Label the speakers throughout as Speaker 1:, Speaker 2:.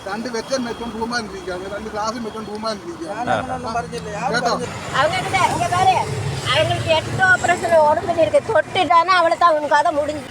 Speaker 1: രണ്ട് വെച്ചൻ വെച്ചോണ്ട് റൂമാനിരിക്കുകയാണ്, രണ്ട് ഗ്ലാസും വെച്ചോണ്ട് റൂമാനിരിക്കുകയാണ്. കേട്ടോ,
Speaker 2: அவங்களுக்கு 8 ஆபரேஷன் உடம்புல இருக்கு. தொட்டுட்டானா அவளை தான் உனக்கு அதை முடிஞ்சு.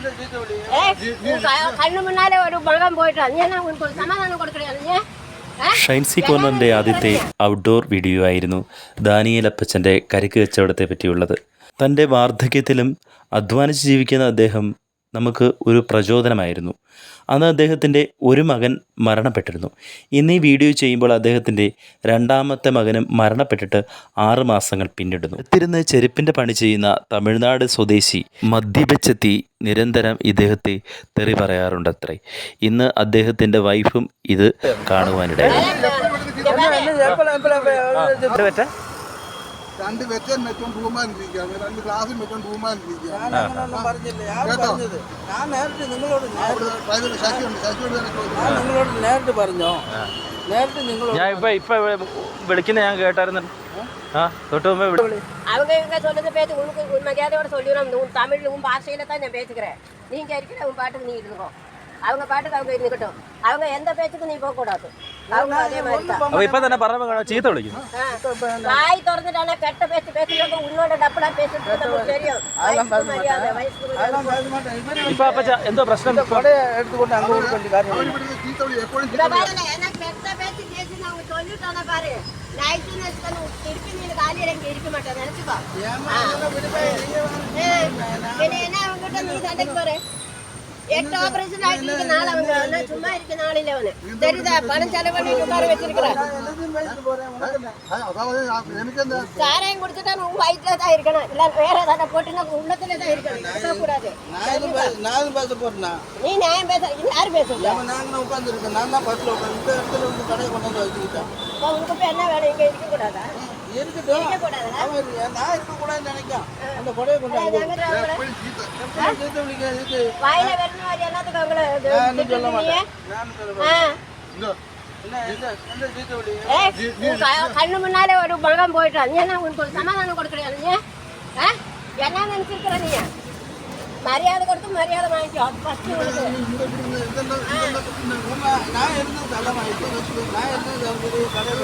Speaker 2: கண்ணு முன்னாலே ஒரு மகன் போயிட்டான். ஏன்னா உனக்கு ஒரு சமாதானம் கொடுக்கலையா?
Speaker 3: ഷൈൻസി കോർണറിൻ്റെ ആദ്യത്തെ ഔട്ട്ഡോർ വീഡിയോ ആയിരുന്നു ദാനിയേൽ അപ്പച്ചൻ്റെ കരിക്ക് കച്ചവടത്തെ പറ്റിയുള്ളത്. തൻ്റെ വാർദ്ധക്യത്തിലും അധ്വാനിച്ച് ജീവിക്കുന്ന അദ്ദേഹം നമുക്ക് ഒരു പ്രചോദനമായിരുന്നു. അന്ന് അദ്ദേഹത്തിൻ്റെ ഒരു മകൻ മരണപ്പെട്ടിരുന്നു. ഇന്ന് ഈ വീഡിയോ ചെയ്യുമ്പോൾ അദ്ദേഹത്തിൻ്റെ രണ്ടാമത്തെ മകനും മരണപ്പെട്ടിട്ട് 6 മാസങ്ങൾ പിന്നിടുന്നു. അടുത്തിരുന്ന് ചെരുപ്പിൻ്റെ പണി ചെയ്യുന്ന തമിഴ്നാട് സ്വദേശി മദ്യപിച്ചെത്തി നിരന്തരം ഇദ്ദേഹത്തെ തെറി പറയാറുണ്ടത്രേ. ഇന്ന് അദ്ദേഹത്തിൻ്റെ വൈഫും ഇത് കാണുവാനിടയായി.
Speaker 1: രണ്ട് വെച്ചൻ വെച്ചോണ്ട് റൂമാനിരിക്കുകയാണ്, രണ്ട് ഗ്ലാസും വെച്ചോണ്ട് റൂമാനിരിക്കുകയാണ്. കേട്ടോ,
Speaker 4: നേരിട്ട് പറഞ്ഞോ, നേരിട്ട് നിങ്ങൾ
Speaker 5: ഞാൻ ഇപ്പൊ വിളിക്കുന്ന ഞാൻ കേട്ടായിരുന്നു. തൊട്ട് മുമ്പേ
Speaker 2: அவங்க இவங்க சொல்றது பேச்சு உனக்கு மரியாதையோட சொல்லிடுறோம். உன் தமிழ் உன் பாஷையில தான் நான் பேசுகிறேன். நீங்க இருக்கிற உன் பாட்டுக்கு நீ இருந்துக்கோ, அவங்க பாட்டுக்கு அவங்க இருந்துக்கட்டும். அவங்க எந்த பேச்சுக்கும் நீ போக கூடாது. அவங்க அதே மாதிரி தான்.
Speaker 5: ഇപ്പൊ തന്നെ പറഞ്ഞ ചീത്ത വിളിക്കും.
Speaker 2: வாய் திறந்துட்டானே கெட்ட பேச்சு பேசுறவங்க உன்னோட டப்பலா பேசுறது நமக்கு தெரியும். மரியாதை வயசுக்கு
Speaker 5: ഇപ്പൊ അപ്പച്ച എന്തോ പ്രശ്നം?
Speaker 4: എടുത്തുകൊണ്ട് അങ്ങോട്ട് കൊണ്ട് കാര്യം
Speaker 2: எனக்கு கெட்ட பேச்சு பேசி அவங்க சொல்லிட்டானே பாரு. நைட்டு திருப்பி நீ காலையில இருக்க மாட்டேன் நினைச்சுக்கோ. என்ன அவங்ககிட்ட நீ சண்டைக்கு போற? 8 ஆபரேஷன் ஆயிட்டு நாள் அவங்க சும்மா இருக்க நாளில் அவனு தெரியுதா? பணம் செலவு பண்ணி உட்கார வச்சிருக்கிறான். சாராயம் குடிச்சுட்டா உன் வயிற்றுல தான் இருக்கணும், இல்ல வேற ஏதாவது போட்டுன்னா உள்ளத்துல தான் இருக்கணும், கூடாது.
Speaker 4: நான் பேச போறேன்னா
Speaker 2: நீ நியாயம் பேச யாரு பேசுறா?
Speaker 4: நாங்க உட்கார்ந்து இருக்கேன், நான் தான் பஸ்ல உட்காந்து இடத்துல வந்து கடையை கொண்டு வந்து வச்சுக்கிட்டேன்.
Speaker 2: உனக்கு இப்ப என்ன வேணும்? இங்க இருக்க கூடாதா?
Speaker 4: இருக்கட்டும், நான் இருக்க கூடாதுன்னு நினைக்கிறேன். அந்த கொடையை கொண்டு
Speaker 2: வாயில வரணும் என்னத்துக்கு அவங்கள கண்ணு முன்னாலே ஒரு மகன் போயிட்டான். ஏன்னா உனக்கு ஒரு சமாதானம் கொடுக்கலையா? என்ன நினைச்சிருக்கிற நீ? மரியாதை கொடுத்து மரியாதை வாங்கிக்கோ. ஃபர்ஸ்ட் உனக்கு
Speaker 4: நான் இருந்து தலைமாயிட்டு நான் இருந்து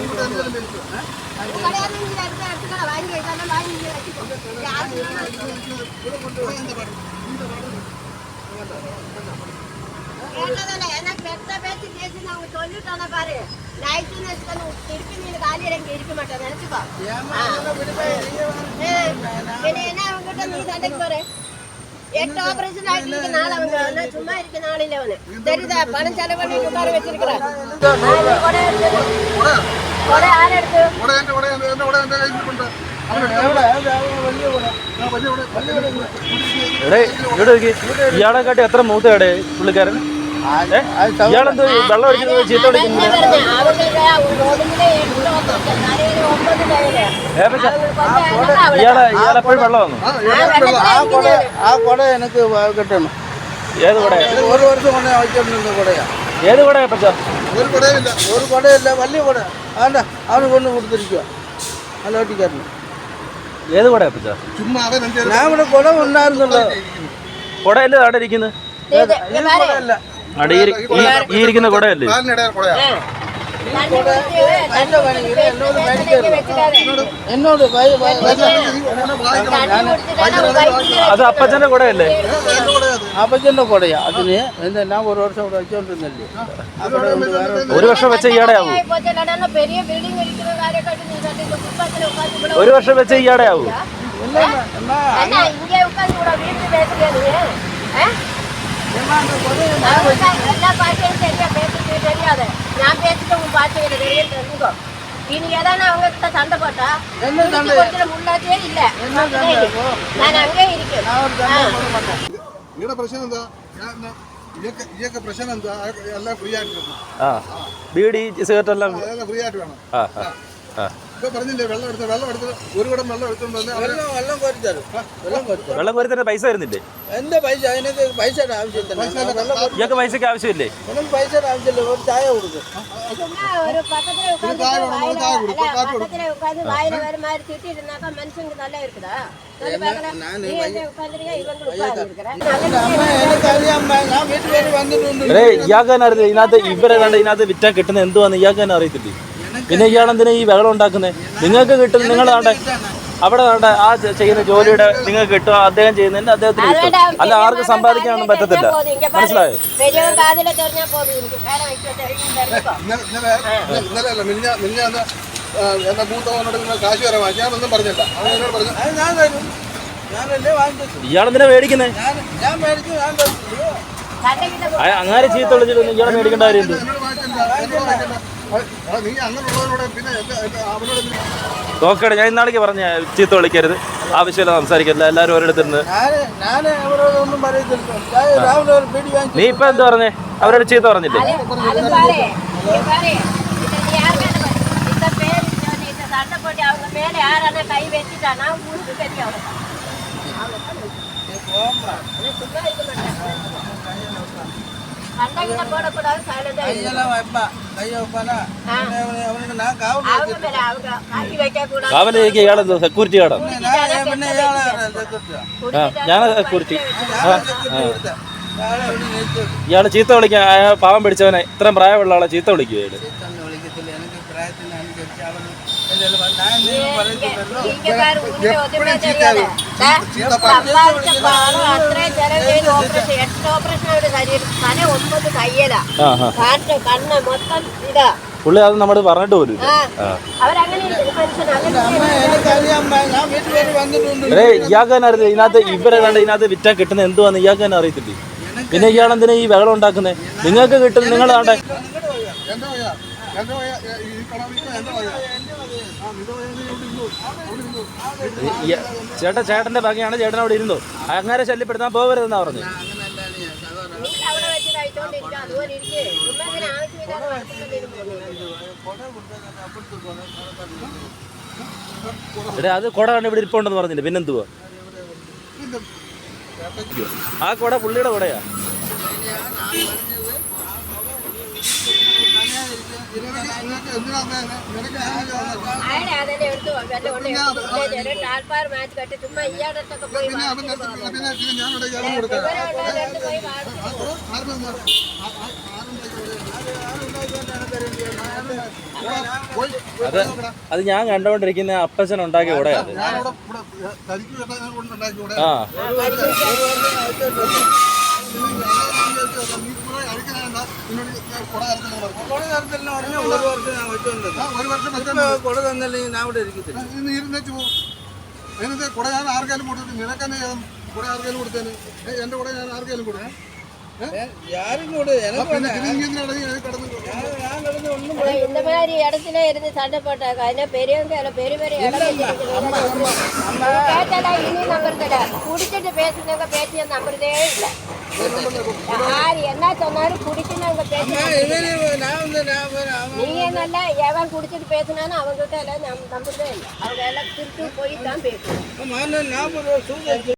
Speaker 2: கல்யாணம் எடுத்துக்கோ, வாங்கி வைக்கலாம், வாங்கி வச்சுக்கோ. எனக்கு பெத்த பேச்சு பேசி அவங்க சொல்லிட்டானே பாரு. நைட்டு திருப்பி நீ காலையில இங்க இருக்க மாட்டேன் நினைச்சுக்கோ. என்ன அவங்ககிட்ட நீ சண்டைக்கு போற? 8 ஆபரேஷன் ஆயிட்டு நாள் அவங்க சும்மா இருக்க நாளில் அவனு தெரியுதா? பணம் செலவு பண்ணி உட்கார வச்சிருக்கிறேன். கொடை யார் எடுத்து?
Speaker 5: ഇയാളെ കാട്ടി എത്ര മൂത്തയുടെ പുള്ളിക്കാരൻ? ഇയാളെന്ത് വെള്ളം അടിക്കുന്നത് ചീത്ത വിളിക്കുന്നത്? ഇയാളെപ്പോഴും വെള്ളം വന്നു.
Speaker 4: ആ കൊട എനിക്ക് കിട്ടണം.
Speaker 5: ഏത് കൊടയാ?
Speaker 4: ഒരു വർഷം കൊണ്ട് വയ്ക്കൊണ്ടിരുന്ന കൊടയാ.
Speaker 5: ഏത് കൊടയാ പച്ച?
Speaker 4: ഒരു കൊടയില്ല, വലിയ കൊട. അല്ല, അവന് കൊണ്ട് കൊടുത്തിരിക്കുക നല്ല ഒട്ടിക്കാരന്.
Speaker 5: ഏത് കൊടയാ പച്ച?
Speaker 4: ഞാൻ ഇവിടെ കൊട ഉണ്ടായിരുന്നല്ലോ.
Speaker 5: കൊടയല്ലേ അവിടെ ഇരിക്കുന്നത്? ഈ ഇരിക്കുന്ന കൊടയല്ലേ?
Speaker 4: എന്നോട്
Speaker 5: അത് അപ്പച്ചന്റെ കൊടയല്ലേ?
Speaker 4: അപ്പച്ചന്റെ കൊടയാ. അതിന് എന്താ ഞാൻ ഒരു വർഷം ഇവിടെ വെച്ചോണ്ടിരുന്നല്ലേ.
Speaker 5: ഒരു വർഷം വെച്ച ഈയാടെ ആവൂ? ഒരു വർഷം വെച്ച ഈയാടെ ആവൂ?
Speaker 2: எல்லா பாஷையும் தெரியாது. நான் பேசிட்டு உன் பாஷையில தெரியும் தெரிஞ்சுக்கோ. இனி ஏதாவது அவங்க கிட்ட சண்டை போட்டா முன்னாடியே இல்ல, நான் அங்கே இருக்கேன்.
Speaker 1: പ്രശ്നം എന്താ? ഇയൊക്കെ പ്രശ്നം എന്താ? എല്ലാം ഫ്രീ ആയിട്ട്
Speaker 5: ബീഡി സിഗരറ്റ് എല്ലാം
Speaker 1: ഫ്രീ ആയിട്ട് വേണം. ഇപ്പൊ പറഞ്ഞില്ലേ വെള്ളം എടുത്ത് ഒരു കുടം വെള്ളം എടുത്തോണ്ട് വന്ന് അവര്
Speaker 4: വെള്ളം കോരി തരും. വെള്ളം കോരി തരും.
Speaker 5: വെള്ളം കോരി തന്നെ പൈസ വരുന്നില്ലേ?
Speaker 4: എന്റെ പൈസ അതിനൊക്കെ പൈസയുടെ ആവശ്യത്തില്ല.
Speaker 5: ഇയാൾക്ക് പൈസക്ക് ആവശ്യമില്ലേ?
Speaker 4: ഒന്നും പൈസയുടെ ആവശ്യമില്ല. ഒരു ചായ കൊടുക്കും.
Speaker 2: ഒരു പക്കത്തിലെ ഉட்காந்து வாயில வேற மாதிரி திட்டிருந்தாக்கா மனுஷனுக்கு நல்லா இருக்குதா?
Speaker 5: ഇയാൾക്ക് തന്നെ അറിയില്ല ഇതിനകത്ത് ഇതിനകത്ത് വിറ്റാൻ കിട്ടുന്ന എന്തുവാന്ന് ഇയാൾക്ക് തന്നെ അറിയത്തില്ലേ? പിന്നെ ഇയാളെന്തിനാ ഈ വെള്ളം ഉണ്ടാക്കുന്നത്? നിങ്ങൾക്ക് കിട്ടും. നിങ്ങൾ അവിടെ ആ ചെയ്യുന്ന ജോലിയുടെ നിങ്ങൾക്ക് കിട്ടും, അദ്ദേഹം ചെയ്യുന്നതിന് അദ്ദേഹത്തിന് കിട്ടും. അല്ല ആർക്ക് സമ്പാദിക്കാനൊന്നും പറ്റത്തില്ല. മനസ്സിലായോ?
Speaker 1: എന്റെ മൂത്തവനോട് കാശ് വരെ വാങ്ങി ഞാനൊന്നും പറഞ്ഞില്ല. അവൻ എന്നോട് പറഞ്ഞു
Speaker 5: ഇയാളെന്തിനാ മേടിക്കുന്നേ? അങ്ങനെ ചീത്ത വിളിച്ചിട്ടൊന്നും ഇയാളെ മേടിക്കേണ്ട കാര്യമുണ്ട്?
Speaker 1: നീ അങ്ങനെയുള്ളവരോട് പിന്നെ അവനോട്
Speaker 5: നോക്കട്ടെ, ഞാൻ ഇന്നാളേക്ക് പറഞ്ഞ ചീത്ത വിളിക്കരുത്, ആവശ്യമില്ല സംസാരിക്കരുത്, എല്ലാവരും ഒരിടത്തിരുന്ന്. നീ ഇപ്പൊ എന്ത് പറഞ്ഞേ? അവരോട് ചീത്ത പറഞ്ഞില്ലേ?
Speaker 2: சண்டை போட்டு அவங்க மேல யாரான கை வச்சுட்டானா உனக்கு தெரியும். சண்டைகிட்ட போடக்கூடாது.
Speaker 5: കാവലേക്ക് ഇയാളെന്തോ സെക്യൂരിറ്റി ഗാർഡോ? ഞാൻ സെക്യൂരിറ്റി. ഇയാള് ചീത്ത വിളിക്കാൻ പാവം പിടിച്ചവനെ, ഇത്രയും പ്രായമുള്ള ആളെ ചീത്ത വിളിക്കുക ഇയാള്. പുള്ളി അത് നമ്മൾ പറഞ്ഞിട്ട് പോലും. ഇയാൾക്ക് തന്നെ അറിയില്ല ഇതിനകത്ത് ഇതിനകത്ത് വിറ്റാൻ കിട്ടുന്ന എന്തുവാന്ന് ഇയാൾക്ക് തന്നെ അറിയത്തില്ലേ? പിന്നെ ഇയാളെന്തിനാ ഈ വെള്ളം ഉണ്ടാക്കുന്നത്? നിങ്ങൾക്ക് കിട്ടും. നിങ്ങൾ ചേട്ടന്റെ ഭംഗിയാണ്, ചേട്ടൻ അവിടെ ഇരുന്നു. അങ്ങനെ ശല്യപ്പെടുത്താൻ പോകരുതെന്നാ പറഞ്ഞു. അത് കുട കണ്ട് ഇവിടെ ഇരിപ്പുണ്ടെന്ന് പറഞ്ഞില്ലേ? പിന്നെന്തുവാ ആ കുട? പുള്ളിയുടെ കുടയാ. അത് ഞാൻ കണ്ടുകൊണ്ടിരിക്കുന്ന അപ്പച്ചൻ ഉണ്ടാക്കിയ കൂടെയാ. ആ
Speaker 1: കുട ഞാൻ ആർക്കാലും കൊടുത്തു. നിനക്കെന്നെ കുട ആർക്കാലും കൊടുത്തേന്? എന്റെ കുട ഞാൻ ആർക്കാലും കൊടുത്തേ?
Speaker 2: இந்த மாதிரி இடத்துல இருந்து சண்டை போட்டாங்க. அதில் பெரியவங்க பெரிய பெரிய இடம் கேட்டாலா இனி நம்புறதில்ல. குடிச்சிட்டு பேசுனவங்க பேசிய நம்புறதே இல்லை. யார் என்ன சொன்னாலும் குடிச்சுனவங்க பேச நீங்க நல்லா எவன் குடிச்சிட்டு பேசினாலும் அவங்ககிட்ட எல்லாம் நம்புறதே இல்லை. அவங்க எல்லாம் திருட்டு போய் தான் பேசுவாங்க.